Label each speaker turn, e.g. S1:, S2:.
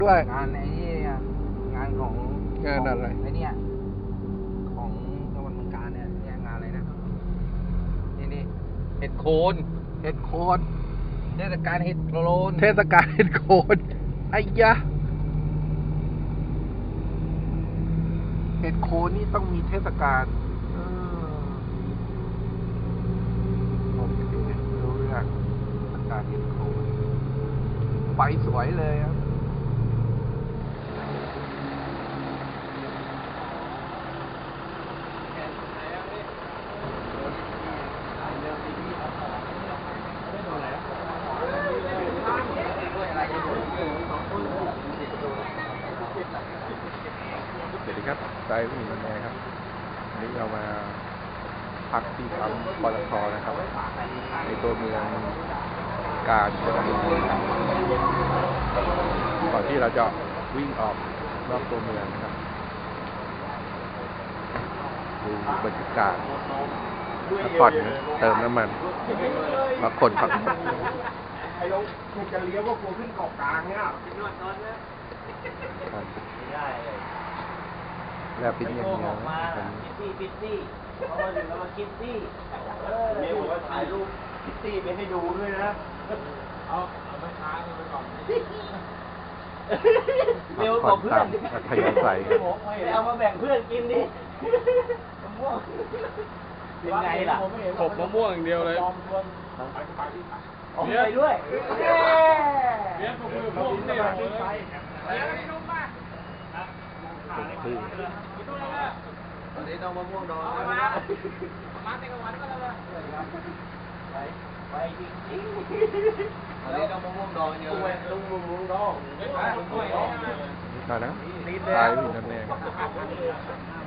S1: ด้วย
S2: งานไอ้นี่งานของ
S1: งานอะไร
S2: ไอ้นี่ของจังหวัดเมืองกาญเนี่ยงานอะไรนะนี่เห็ดโคน
S1: เห็ดโคน
S2: เทศกาลเห็ดโคน
S1: เทศกาลเห็ดโคนไอ้ยะเห็ดโคนนี่ต้องมีเทศกาลผมไม่รู้เรื่องเทศกาลเห็ดโคนใบสวยเลยครับสวัสดีครับใจผู้หญิงแม่ครับวันนี้เรามาพักที่ปั๊มปตทนะครับในตัวเมืองกาญจนบุรีก่อนที่เราจะวิ่งออกนอกตัวเมืองนะครับดูบรรยากาศพักผ่อนนะเติมน้ำมันมาขนผัก
S3: ไอ้ลงคุณจะเลี้ยวก็กลัวขึ้นเกาะกลางเนี่ย
S1: แล้วปิ้นอย่างเดียว
S4: คิตตี้เพราะว่าถึงเรามาคิตตี้เมียบอกว่าถ่ายรูปคิตตี้ไปให้ดูด้วยนะเอาไม่ค้างไปก่อนเมียบอกเพื่อน
S1: ขยันใส่
S4: เอามาแบ่งเพื่อนกินดิมะม่วงเป็นไงล่ะ
S5: ขบมะม่วงอย่างเดียวเลย
S4: ไปด้วย
S5: เลี้ยงผมคือพวกนี้เลย
S2: ตอนนี้ต้องมะม่วงดอง
S4: มาเต็มวันก็แล้วไปจริง
S2: ตอนนี้ต้องมะม่วงดองเยอะเลย
S4: ลุงมะม่วงดอง
S1: ตอนนะตายผู้หญิงแน่